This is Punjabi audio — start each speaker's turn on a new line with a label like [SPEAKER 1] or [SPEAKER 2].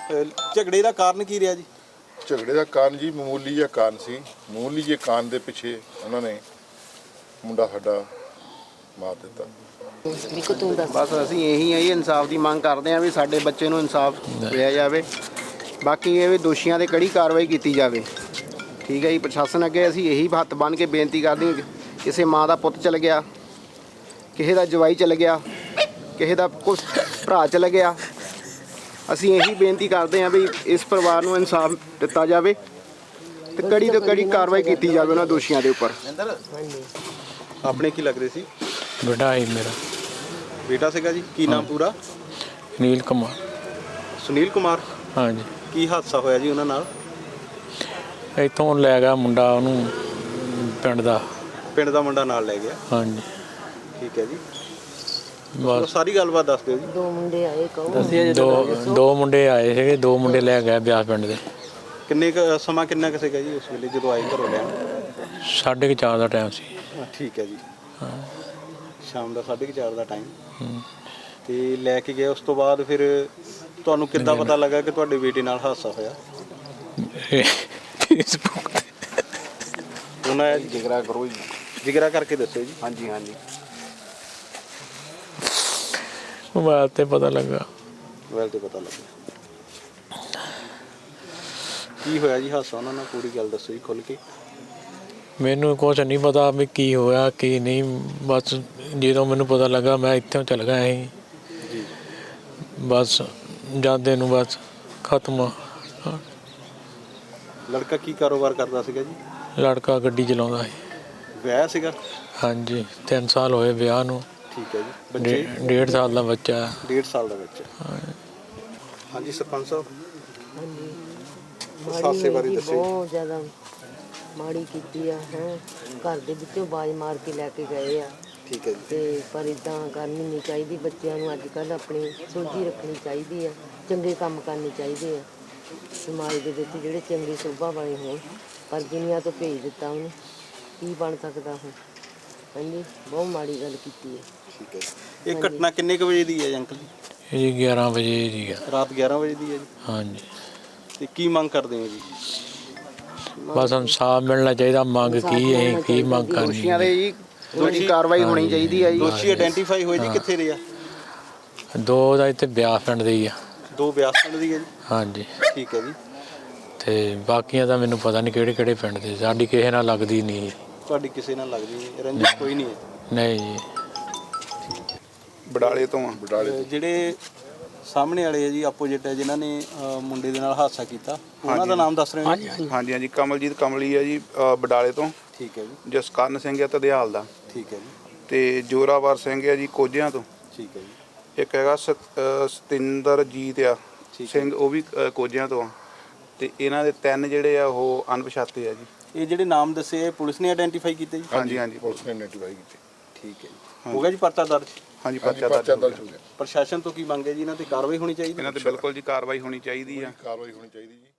[SPEAKER 1] ਝਗੜੇ ਦਾ ਕਾਰਨ ਕੀ ਰਿਹਾ ਜੀ?
[SPEAKER 2] ਝਗੜੇ ਦਾ ਕਾਰਨ ਜੀ ਮਾਮੂਲੀ ਜਿਹਾ ਕਾਰਨ ਸੀ। ਮਾਮੂਲੀ ਜਿਹੇ ਕਾਰਨ ਦੇ ਪਿੱਛੇ ਉਹਨਾਂ ਨੇ ਮੁੰਡਾ ਸਾਡਾ ਮਾਰ ਦਿੱਤਾ।
[SPEAKER 3] ਬਸ ਅਸੀਂ ਇਹੀ ਹੈ ਜੀ, ਇਨਸਾਫ ਦੀ ਮੰਗ ਕਰਦੇ ਹਾਂ ਵੀ ਸਾਡੇ ਬੱਚੇ ਨੂੰ ਇਨਸਾਫ ਦਿਆ ਜਾਵੇ। ਬਾਕੀ ਇਹ ਵੀ ਦੋਸ਼ੀਆਂ 'ਤੇ ਕੜੀ ਕਾਰਵਾਈ ਕੀਤੀ ਜਾਵੇ। ਠੀਕ ਹੈ ਜੀ, ਪ੍ਰਸ਼ਾਸਨ ਅੱਗੇ ਅਸੀਂ ਇਹੀ ਹੱਥ ਬੰਨ੍ਹ ਕੇ ਬੇਨਤੀ ਕਰਦੇ ਹਾਂ, ਕਿਸੇ ਮਾਂ ਦਾ ਪੁੱਤ ਚਲ ਗਿਆ, ਕਿਸੇ ਦਾ ਜਵਾਈ ਚਲ ਗਿਆ, ਕਿਸੇ ਦਾ ਕੁਛ ਭਰਾ ਚਲ ਗਿਆ, ਅਸੀਂ ਇਹੀ ਬੇਨਤੀ ਕਰਦੇ ਹਾਂ ਵੀ ਇਸ ਪਰਿਵਾਰ ਨੂੰ ਇਨਸਾਫ ਦਿੱਤਾ ਜਾਵੇ ਤੇ ਕੜੀ ਤੋਂ ਕੜੀ ਕਾਰਵਾਈ ਕੀਤੀ ਜਾਵੇ ਉਹਨਾਂ ਦੋਸ਼ੀਆਂ ਦੇ ਉੱਪਰ।
[SPEAKER 1] ਆਪਣੇ ਕੀ ਲੱਗਦੇ ਸੀ?
[SPEAKER 4] ਬੇਟਾ ਹੈ ਮੇਰਾ।
[SPEAKER 1] ਬੇਟਾ ਸੀਗਾ ਜੀ। ਕੀ ਨਾਮ ਪੂਰਾ?
[SPEAKER 4] ਸੁਨੀਲ ਕੁਮਾਰ।
[SPEAKER 1] ਸੁਨੀਲ ਕੁਮਾਰ।
[SPEAKER 4] ਹਾਂਜੀ।
[SPEAKER 1] ਕੀ ਹਾਦਸਾ ਹੋਇਆ ਜੀ ਉਹਨਾਂ ਨਾਲ?
[SPEAKER 4] ਇੱਥੋਂ ਲੈ ਗਿਆ ਮੁੰਡਾ ਉਹਨੂੰ ਪਿੰਡ ਦਾ
[SPEAKER 1] ਮੁੰਡਾ ਨਾਲ ਲੈ ਗਿਆ।
[SPEAKER 4] ਹਾਂਜੀ।
[SPEAKER 1] ਠੀਕ ਹੈ ਜੀ,
[SPEAKER 4] ਬਸ
[SPEAKER 1] ਸਾਰੀ ਗੱਲਬਾਤ ਦੱਸ ਦਿਓ ਜੀ।
[SPEAKER 5] ਦੋ ਮੁੰਡੇ ਆਏ
[SPEAKER 4] ਦੋ ਮੁੰਡੇ ਆਏ ਸੀਗੇ, ਦੋ ਮੁੰਡੇ ਲੈ ਗਏ ਬਿਆਸ ਪਿੰਡ ਦੇ।
[SPEAKER 1] ਕਿੰਨੇ ਸਮਾਂ ਕਿੰਨਾ ਕੁ ਸੀਗਾ ਜੀ ਉਸ ਵੇਲੇ ਜਦੋਂ ਆਏ ਘਰੋਂ ਲੈਣ?
[SPEAKER 4] 4:30 ਦਾ ਟਾਈਮ ਸੀ।
[SPEAKER 1] ਠੀਕ ਹੈ ਜੀ। ਸ਼ਾਮ ਦਾ 4:30 ਦਾ ਟਾਈਮ। ਤੇ ਲੈ ਕੇ ਗਏ, ਉਸ ਤੋਂ ਬਾਅਦ ਫਿਰ ਤੁਹਾਨੂੰ ਕਿੱਦਾਂ ਪਤਾ ਲੱਗਾ ਕਿ ਤੁਹਾਡੇ ਬੇਟੇ ਨਾਲ ਹਾਦਸਾ ਹੋਇਆ?
[SPEAKER 4] ਫੇਸਬੁੱਕ ਤੇ
[SPEAKER 1] ਉਹਨਾਂ
[SPEAKER 3] ਜਿਗਰਾ ਕਰੋ ਜੀ।
[SPEAKER 1] ਜਿਗਰਾ ਕਰਕੇ ਦੱਸੋ ਜੀ।
[SPEAKER 3] ਹਾਂਜੀ ਹਾਂਜੀ,
[SPEAKER 4] ਮੋਬਾਈਲ ਤੇ ਪਤਾ ਲੱਗਾ।
[SPEAKER 1] ਮੋਬਾਈਲ ਤੇ ਪਤਾ ਲੱਗਾ। ਕੀ ਹੋਇਆ ਜੀ ਹਾਦਸਾ ਉਹਨਾਂ ਨਾਲ? ਪੂਰੀ ਗੱਲ ਦੱਸੋ ਜੀ ਖੁੱਲ੍ਹ ਕੇ।
[SPEAKER 4] ਮੈਨੂੰ ਕੁਛ ਨਹੀਂ ਪਤਾ ਵੀ ਕੀ ਹੋਇਆ ਕੀ ਨਹੀਂ। ਬਸ ਜਦੋਂ ਮੈਨੂੰ ਪਤਾ ਲੱਗਾ ਮੈਂ ਇੱਥੋਂ ਚਲ ਗਿਆ ਸੀ
[SPEAKER 1] ਜੀ।
[SPEAKER 4] ਬਸ ਜਾਂਦੇ ਨੂੰ ਬਸ ਖਤਮ।
[SPEAKER 1] ਲੜਕਾ ਕੀ ਕਾਰੋਬਾਰ ਕਰਦਾ ਸੀਗਾ ਜੀ?
[SPEAKER 4] ਲੜਕਾ ਗੱਡੀ ਚਲਾਉਂਦਾ ਸੀ।
[SPEAKER 1] ਵਿਆਹ ਸੀਗਾ?
[SPEAKER 4] ਹਾਂਜੀ, 3 ਸਾਲ ਹੋਏ ਵਿਆਹ ਨੂੰ।
[SPEAKER 1] ਠੀਕ ਹੈ ਜੀ। ਬੱਚੇ?
[SPEAKER 4] 1.5 ਸਾਲ ਦਾ ਬੱਚਾ।
[SPEAKER 1] 1.5 ਸਾਲ ਦਾ ਬੱਚਾ। ਹਾਂਜੀ ਸਰਪੰਚ ਸਾਹਿਬ,
[SPEAKER 5] ਹਾਂਜੀ,
[SPEAKER 1] ਹਾਦਸੇ ਬਾਰੇ ਦੱਸੋ।
[SPEAKER 5] ਬਹੁਤ ਜ਼ਿਆਦਾ ਮਾੜੀ ਕੀਤੀ ਆ। ਘਰ ਦੇ ਵਿੱਚੋਂ ਬਾਜ਼ ਮਾਰ ਕੇ ਲੈ ਕੇ ਗਏ ਆ।
[SPEAKER 1] ਠੀਕ ਹੈ ਜੀ।
[SPEAKER 5] ਤੇ ਪਰ ਇਦਾਂ ਕਰਨੀ ਨਹੀਂ ਚਾਹੀਦੀ। ਬੱਚਿਆਂ ਨੂੰ ਅੱਜ ਕੱਲ੍ਹ ਆਪਣੀ ਸੋਝੀ ਰੱਖਣੀ ਚਾਹੀਦੀ ਆ, ਚੰਗੇ ਕੰਮ ਕਰਨੇ ਚਾਹੀਦੇ ਆ ਸਮਾਜ ਦੇ ਵਿੱਚ, ਜਿਹੜੇ ਚੰਗੇ ਸੁਭਾਅ ਵਾਲੇ ਹੋਣ। ਪਰ ਦੁਨੀਆ ਤੋਂ ਭੇਜ ਦਿੱਤਾ ਉਹਨੂੰ, ਕੀ ਬਣ ਸਕਦਾ ਹੁਣ? ਹਾਂਜੀ, ਬਹੁਤ ਮਾੜੀ ਗੱਲ ਕੀਤੀ ਹੈ।
[SPEAKER 1] ਠੀਕ ਹੈ ਜੀ। ਇਹ ਘਟਨਾ ਕਿੰਨੇ ਕੁ ਵਜੇ ਦੀ ਹੈ ਅੰਕਲ ਜੀ?
[SPEAKER 4] ਇਹ 11 ਵਜੇ ਦੀ ਆ।
[SPEAKER 1] ਰਾਤ 11 ਵਜੇ ਦੀ ਹੈ ਜੀ।
[SPEAKER 4] ਹਾਂਜੀ।
[SPEAKER 1] ਤੇ ਕੀ ਮੰਗ ਕਰਦੇ ਹੋ ਜੀ?
[SPEAKER 4] ਬਸ ਇਨਸਾਫ ਮਿਲਣਾ ਚਾਹੀਦਾ। ਮੰਗ ਕੀ ਹੈ, ਕੀ ਮੰਗ ਕਰਨੀ?
[SPEAKER 3] ਦੋਸ਼ੀਆਂ ਦੇ ਜੀ ਦੋਸ਼ੀ ਕਾਰਵਾਈ ਹੋਣੀ ਚਾਹੀਦੀ ਹੈ ਜੀ।
[SPEAKER 1] ਦੋਸ਼ੀ ਆਇਡੈਂਟੀਫਾਈ ਹੋਏ ਜੀ ਕਿੱਥੇ ਦੇ ਆ?
[SPEAKER 4] ਦੋ ਦਾ ਇੱਥੇ ਬਿਆਸ ਪਿੰਡ ਦੇ ਹੀ ਆ।
[SPEAKER 1] ਦੋ ਬਿਆਸ ਪਿੰਡ ਦੀ ਹੈ ਜੀ।
[SPEAKER 4] ਹਾਂਜੀ।
[SPEAKER 1] ਠੀਕ ਹੈ ਜੀ।
[SPEAKER 4] ਤੇ ਬਾਕੀਆਂ ਦਾ ਮੈਨੂੰ ਪਤਾ ਨਹੀਂ ਕਿਹੜੇ ਪਿੰਡ ਦੇ। ਸਾਡੀ ਕਿਸੇ ਨਾਲ ਲੱਗਦੀ ਨਹੀਂ।
[SPEAKER 1] ਤੁਹਾਡੀ ਕਿਸੇ ਨਾਲ ਲੱਗਦੀ ਨਹੀਂ? ਰੰਜਿਸ਼ ਕੋਈ ਨਹੀਂ ਹੈ?
[SPEAKER 4] ਨਹੀਂ ਜੀ।
[SPEAKER 2] ਬਡਾਲੇ ਤੋਂ ਆ। ਬਡਾਲੇ
[SPEAKER 1] ਜਿਹੜੇ ਸਾਹਮਣੇ ਵਾਲੇ ਹੈ ਜੀ, ਆਪੋਜੀਟ ਹੈ, ਜਿਨ੍ਹਾਂ ਨੇ ਮੁੰਡੇ ਦੇ ਨਾਲ ਹਾਦਸਾ ਕੀਤਾ, ਉਹਨਾਂ ਦਾ ਨਾਮ ਦੱਸ ਰਹੇ ਹੋ?
[SPEAKER 6] ਹਾਂਜੀ ਹਾਂਜੀ, ਕਮਲਜੀਤ ਕਮਲੀ ਹੈ ਜੀ, ਬਡਾਲੇ ਤੋਂ।
[SPEAKER 1] ਠੀਕ ਹੈ ਜੀ।
[SPEAKER 6] ਜਸਕਰਨ ਸਿੰਘ ਹੈ ਧਦਿਆਲ ਦਾ।
[SPEAKER 1] ਠੀਕ ਹੈ ਜੀ।
[SPEAKER 6] ਤੇ ਜੋਰਾਵਰ ਸਿੰਘ ਹੈ ਜੀ ਕੋਝਿਆਂ ਤੋਂ।
[SPEAKER 1] ਠੀਕ ਹੈ ਜੀ।
[SPEAKER 6] ਇੱਕ ਹੈਗਾ ਸਤਿੰਦਰਜੀਤ ਆ ਸਿੰਘ, ਉਹ ਵੀ ਕੋਝਿਆਂ ਤੋਂ ਆ। ਤੇ ਇਹਨਾਂ ਦੇ 3 ਜਿਹੜੇ ਆ ਉਹ ਅਣਪਛਾਤੇ ਆ ਜੀ।
[SPEAKER 1] ਇਹ ਜਿਹੜੇ ਨਾਮ ਦੱਸੇ ਪੁਲਿਸ ਨੇ ਆਇਡੈਂਟੀਫਾਈ ਕੀਤੇ ਜੀ?
[SPEAKER 6] ਹਾਂਜੀ ਹਾਂਜੀ,
[SPEAKER 2] ਪੁਲਿਸ ਨੇ ਆਇਡੈਂਟੀਫਾਈ ਕੀਤੀ।
[SPEAKER 1] ਠੀਕ ਹੈ ਜੀ। ਹੋ ਗਿਆ ਜੀ ਪਰਚਾ ਦਰਜ?
[SPEAKER 6] ਹਾਂਜੀ, ਪਰਚਾ ਦਰਜ ਹੋ ਗਿਆ।
[SPEAKER 1] ਪ੍ਰਸ਼ਾਸਨ ਤੋਂ ਕੀ ਮੰਗੇ ਜੀ? ਇਹਨਾਂ ਤੇ ਕਾਰਵਾਈ ਹੋਣੀ ਚਾਹੀਦੀ?
[SPEAKER 6] ਇਹਨਾਂ ਤੇ ਬਿਲਕੁਲ ਜੀ ਕਾਰਵਾਈ ਹੋਣੀ ਚਾਹੀਦੀ ਆ।
[SPEAKER 2] ਕਾਰਵਾਈ ਹੋਣੀ ਚਾਹੀਦੀ ਜੀ।